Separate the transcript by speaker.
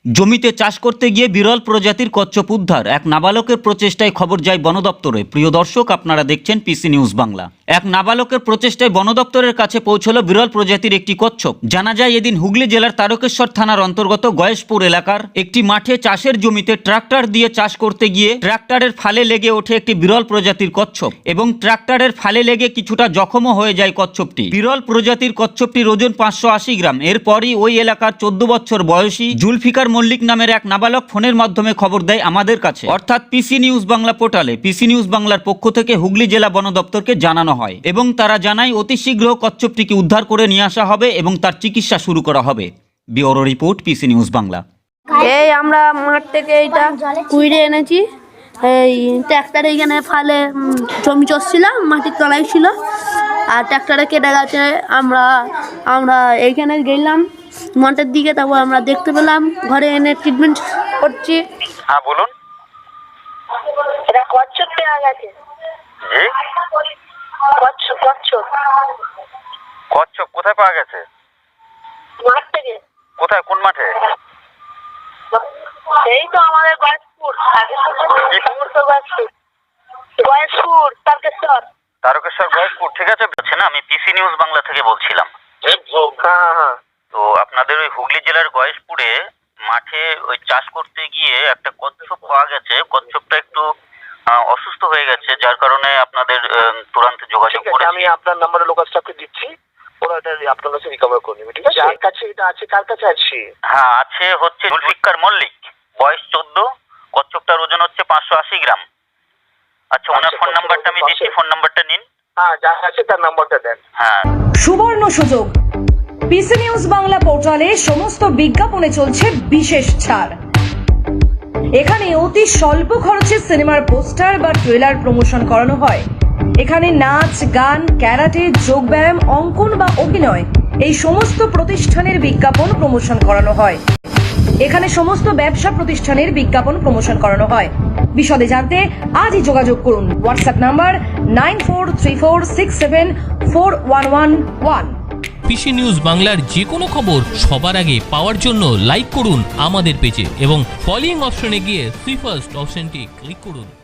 Speaker 1: জমিতে চাষ করতে গিয়ে বিরল প্রজাতির কচ্ছপ উদ্ধার। এক নাবালকের প্রচেষ্টায় খবর যায় বন দপ্তরে। প্রিয় দর্শক, আপনারা দেখছেন পিসি নিউজ বাংলা। এক নাবালকের প্রচেষ্টায় বন দপ্তরের কাছে পৌঁছলো বিরল প্রজাতির একটি কচ্ছপ। জানা যায় এদিন হুগলি জেলার তারকেশ্বর থানার অন্তর্গত গয়েশপুর এলাকার একটি মাঠে চাষের জমিতে ট্রাক্টর দিয়ে চাষ করতে গিয়ে ট্রাক্টরের ফালে লেগে ওঠে একটি বিরল প্রজাতির কচ্ছপ এবং ট্রাক্টরের ফালে লেগে কিছুটা জখমও হয়ে যায় কচ্ছপটি। বিরল প্রজাতির কচ্ছপটির ওজন 580 গ্রাম। এরপরই ওই এলাকার 14 বছর বয়সী জুলফিকার মল্লিক নামের এক নাবালক ফোনের মাধ্যমে খবর দেয় আমাদের কাছে, অর্থাৎ পিসি নিউজ বাংলা পোর্টালে। পিসি নিউজ বাংলার পক্ষ থেকে হুগলি জেলা বন দপ্তরকে জানানো হয় এবং তারা জানায় অতি শীঘ্র কচ্ছপটিকে উদ্ধার করে নিয়ে আসা হবে এবং তার চিকিৎসা শুরু করা হবে। Bureau report, PC news Bangla.
Speaker 2: এই আমরা মাঠ থেকে এইটা কুইড়ে এনেছি। এই ট্র্যাক্টর এইখানে ফালে জমি চষছিলাম, মাটির তলায় ছিল, আর ট্র্যাক্টরে কেটে গেছে। আমরা এইখানে গেলাম মাঠের দিকে, তারপর আমরা দেখতে পেলাম, ঘরে এনে ট্রিটমেন্ট করছি।
Speaker 3: হ্যাঁ বলুন।
Speaker 2: এটা কচ্ছপ পেয়ে গেছে।
Speaker 3: জি,
Speaker 2: কচ্ছপ
Speaker 3: কচ্ছপ কোথায় পাওয়া গেছে?
Speaker 2: মাঠ থেকে।
Speaker 3: কোথায়, কোন মাঠে?
Speaker 2: এই তো আমাদের গয়েশপুর তারকেশ্বর।
Speaker 3: তারকেশ্বর গয়েশপুর, ঠিক আছে। না, আমি পিসি নিউজ বাংলা থেকে বলছিলাম।
Speaker 2: হ্যাঁ।
Speaker 3: তো আপনাদের ওই হুগলি জেলার গয়েশপুরে মাঠে ওই চাষ করতে গিয়ে একটা কচ্ছপ পাওয়া গেছে। কচ্ছপটা একটু অসুস্থ হয়ে গেছে, যার কারণে আপনাদের তুরন্ত যোগাযোগ করে
Speaker 4: আমি আপনার নাম্বারে লোকাল স্টাফকে দিচ্ছি, ওরা এটা আপনার কাছে রিকভার করে নেবে, ঠিক আছে? যার কাছে এটা আছে, কার কাছে আছে?
Speaker 3: হ্যাঁ, আছে হচ্ছে জুলফিকার মল্লিক, বয়স 14, কচ্ছপটার ওজন হচ্ছে 580 গ্রাম। আচ্ছা, ওনার ফোন নাম্বারটা আমি দিচ্ছি, ফোন নাম্বারটা নিন।
Speaker 4: হ্যাঁ, যার আছে তার নাম্বারটা দেন।
Speaker 3: হ্যাঁ।
Speaker 5: সুবর্ণ সুযোগ, পিসি নিউজ বাংলা পোর্টালে সমস্ত বিজ্ঞাপনে চলছে বিশেষ ছাড়। এখানে অতি স্বল্প খরচে সিনেমার পোস্টার বা ট্রেলার প্রমোশন করানো হয়। এখানে নাচ, গান, ক্যারাটে, যোগব্যায়াম, অঙ্কন বা অভিনয়, এই সমস্ত প্রতিষ্ঠানের বিজ্ঞাপন প্রমোশন করানো হয়। এখানে সমস্ত ব্যবসা প্রতিষ্ঠানের বিজ্ঞাপন প্রমোশন করানো হয়। বিশদে জানতে আজই যোগাযোগ করুন। WhatsApp number 9434674111।
Speaker 6: পিসি নিউজ বাংলার যে কোনো খবর সবার আগে পাওয়ার জন্য লাইক করুন আমাদের পেজে এবং ফলোইং অপশনে গিয়ে সুই ফার্স্ট অপশনটি ক্লিক করুন।